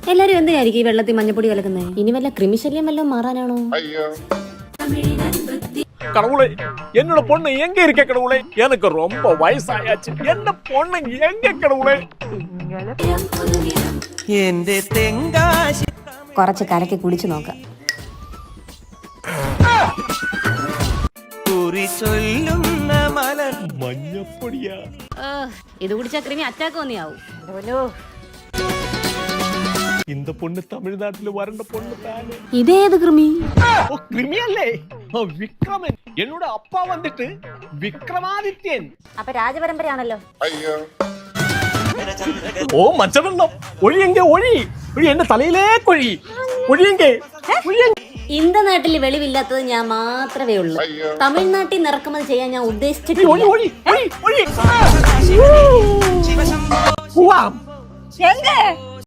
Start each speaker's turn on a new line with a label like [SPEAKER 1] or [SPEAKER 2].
[SPEAKER 1] എല്ലാരും എന്തിനായിരിക്കും ഈ വെള്ളത്തിൽ മഞ്ഞപ്പൊടി കലക്കുന്നത്? ഇനി വല്ല കൃമിശല്യം വല്ലതും മാറാനാണോ?
[SPEAKER 2] கடவுளே, என்னோட பொண்ணு எங்க இருக்க கடவுளே? எனக்கு ரொம்ப வயசாயாச்சு. என்ன பொண்ணு எங்க கடவுளே?
[SPEAKER 3] എന്റെ തെങ്കാശി
[SPEAKER 1] കുറച്ച് കലക്കി കുടിച്ചു നോക്കാം.
[SPEAKER 3] കുറി ചൊല്ലുന്ന മലർ
[SPEAKER 2] മഞ്ഞപ്പൊടിയാ.
[SPEAKER 1] ഇത് കുടിച്ചാ കൃമി അറ്റാക്ക് വന്നിയാവും.
[SPEAKER 2] இந்த பொண்ணு தமிழ்நாட்டுல வறண்ட பொண்ணு தானே.
[SPEAKER 1] ഇതേത് കൃമി?
[SPEAKER 2] ஓ, கிரிமியல்லே. விக்ரமன். என்னோட அப்பா வந்துட்டு விக்ரமாதித்யன்.
[SPEAKER 1] അപ്പൊ രാജപരമ്പരയാണല്ലോ.
[SPEAKER 2] ഓ മച്ചവെള്ളം ഒഴിയെങ്ക ഒഴി ഒഴി എന്റെ തലയിലേ കൊഴി ഒഴിയെങ്ക
[SPEAKER 1] ഇന്ത നാട്ടിൽ വെളിവില്ലാത്തത് ഞാൻ മാത്രമേ ഉള്ളൂ. തമിഴ്നാട്ടിൽ നിന്ന് ഇറക്കുമതി ചെയ്യാൻ ഞാൻ
[SPEAKER 2] ഒഴി
[SPEAKER 1] ഉദ്ദേശിച്ചിട്ടില്ല.
[SPEAKER 2] ഒഴി ഒഴി ഒഴി
[SPEAKER 3] ശിവശംഭോ
[SPEAKER 2] പോവാം
[SPEAKER 1] എങ്ക